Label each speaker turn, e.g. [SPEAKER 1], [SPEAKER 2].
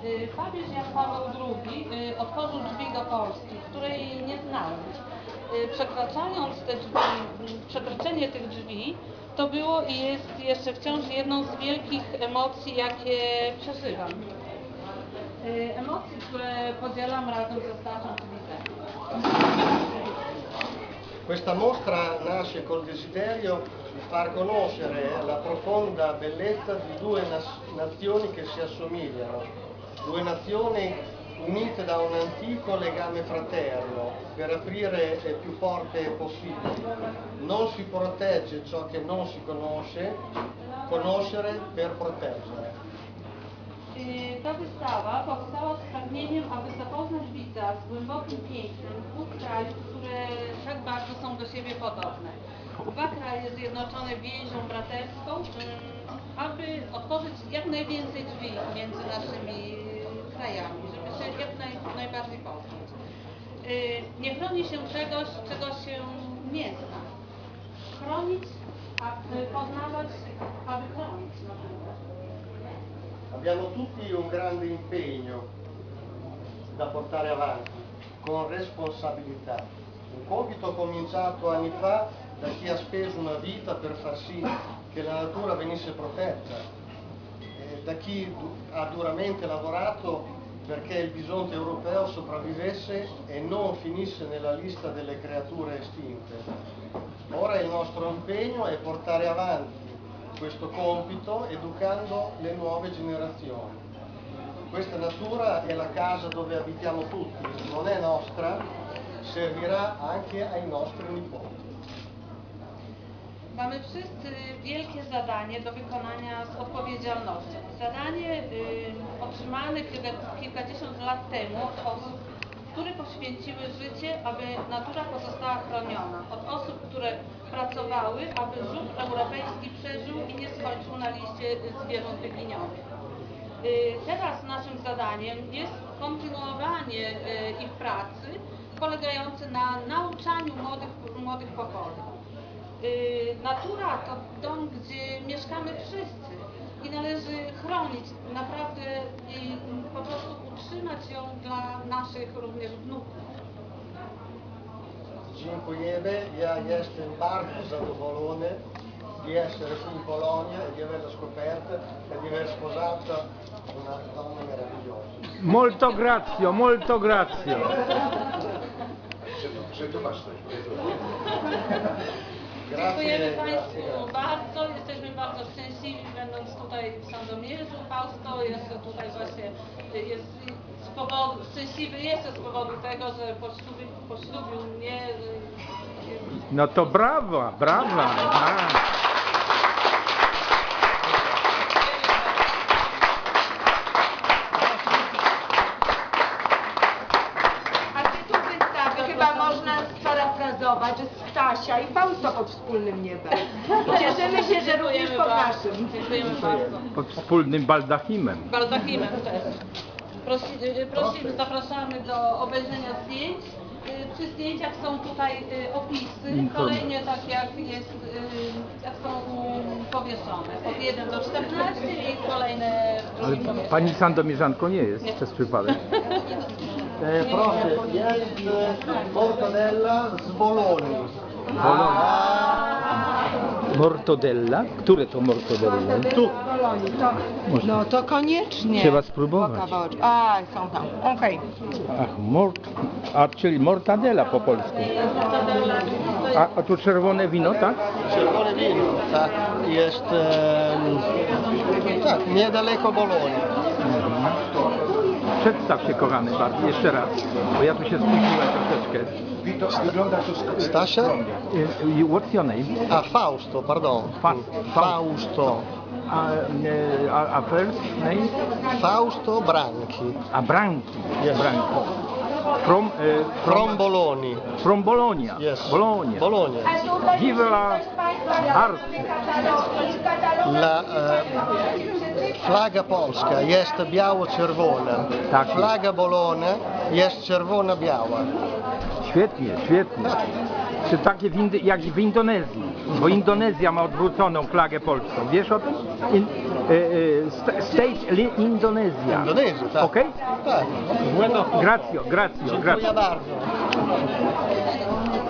[SPEAKER 1] Papież Jan Paweł II otworzył drzwi do Polski, której nie znałem. Przekraczając te drzwi, przekroczenie tych drzwi to było i jest jeszcze wciąż jedną z wielkich emocji, jakie przeżywam. Emocji, które podzielam razem ze starszą cywilizacją.
[SPEAKER 2] Questa mostra nasce col desiderio di far conoscere la profonda bellezza di due nazioni che si assomigliano, due nazioni unite da un antico legame fraterno per aprire il più forte possibile. Non si protegge ciò che non si conosce, conoscere per proteggere.
[SPEAKER 1] Ta wystawa powstała z pragnieniem, aby zapoznać widza z głębokim pięknem dwóch krajów, które tak bardzo są do siebie podobne. Dwa kraje zjednoczone więzią braterską, aby otworzyć jak najwięcej drzwi między naszymi krajami, żeby się jak najbardziej poznać. Nie chroni się czegoś, czego się nie zna. Chronić, aby poznawać, aby chronić.
[SPEAKER 2] Abbiamo tutti un grande impegno da portare avanti, con responsabilità. Un compito cominciato anni fa da chi ha speso una vita per far sì che la natura venisse protetta, da chi ha duramente lavorato perché il bisonte europeo sopravvivesse e non finisse nella lista delle creature estinte. Ora il nostro impegno è portare avanti questo compito educando le nuove generazioni. Questa natura è la casa dove abitiamo tutti, non è nostra, servirà anche ai nostri nipoti.
[SPEAKER 1] Mamy wszyscy wielkie zadanie do wykonania z odpowiedzialnością. Zadanie otrzymane kilkadziesiąt lat temu od osób, które poświęciły życie, aby natura pozostała chroniona. Od osób, które pracowały, aby żuk europejski przeżył i nie skończył na liście zwierząt wyginionych. Teraz naszym zadaniem jest kontynuowanie ich pracy, polegające na nauczaniu młodych pokoleń. Natura to dom, gdzie mieszkamy wszyscy i należy chronić naprawdę i po prostu utrzymać ją dla naszych również wnuków.
[SPEAKER 2] Dziękujemy. Ja jestem bardzo zadowolony di essere qui in Polonia e di averla scoperta e di aver sposato una donna meravigliosa.
[SPEAKER 3] Molto grazio, molto grazio.
[SPEAKER 4] Przetłumacz coś.
[SPEAKER 1] Dziękujemy Państwu bardzo. Jesteśmy bardzo szczęśliwi, będąc tutaj w Sandomierzu. Fausto jest tutaj właśnie, szczęśliwy jeszcze z powodu tego, że poślubił mnie.
[SPEAKER 3] No to brawa, brawa.
[SPEAKER 5] Tytuł wystawy chyba można sparafrazować, że Stasia i Fausto pod wspólnym niebem. Cieszymy się, że również pod naszym.
[SPEAKER 1] Dziękujemy bardzo.
[SPEAKER 3] Pod wspólnym baldachimem.
[SPEAKER 1] Baldachimem też. Zapraszamy do obejrzenia zdjęć. Przy zdjęciach są tutaj opisy, kolejnie tak jak są powieszone. Od 1 do 14 i kolejne w drugim pomieszczeniu.
[SPEAKER 3] Pani Sandomierzanką nie jest przez przypadek.
[SPEAKER 2] Proszę, jest mortadella z Bolonii.
[SPEAKER 3] Mortadella? Które to mortadella?
[SPEAKER 5] Tu. No to koniecznie.
[SPEAKER 3] Trzeba spróbować.
[SPEAKER 5] Są tam. Okej.
[SPEAKER 3] Ach, czyli mortadella po polsku. A tu czerwone wino, tak?
[SPEAKER 2] Czerwone wino, tak, jest tak, niedaleko Bolonii.
[SPEAKER 3] Przedstaw się, kochany, bardzo, jeszcze raz, bo ja tu się spóźniłem troszeczkę.
[SPEAKER 4] Wygląda to
[SPEAKER 2] Stasia?
[SPEAKER 3] What's your name?
[SPEAKER 2] A Fausto, pardon. Fausto.
[SPEAKER 3] A first name?
[SPEAKER 2] Fausto Branchi.
[SPEAKER 3] A Branchi.
[SPEAKER 2] Yes.
[SPEAKER 3] Branchi.
[SPEAKER 2] From Bologna.
[SPEAKER 3] From Bologna.
[SPEAKER 2] Yes.
[SPEAKER 3] Bologna.
[SPEAKER 2] Bologna.
[SPEAKER 3] Vive la arte.
[SPEAKER 2] La flaga polska jest biało-czerwona.
[SPEAKER 3] Tak.
[SPEAKER 2] Flaga Bologna jest czerwona-biała.
[SPEAKER 3] Świetnie, świetnie. Czy takie jak w Indonezji, bo Indonezja ma odwróconą flagę polską. Wiesz o tym? State Indonezja.
[SPEAKER 2] Indonezji, tak.
[SPEAKER 3] Okej?
[SPEAKER 2] Tak.
[SPEAKER 3] Grazio, grazio,
[SPEAKER 2] Dziękuję
[SPEAKER 3] grazio.
[SPEAKER 2] bardzo.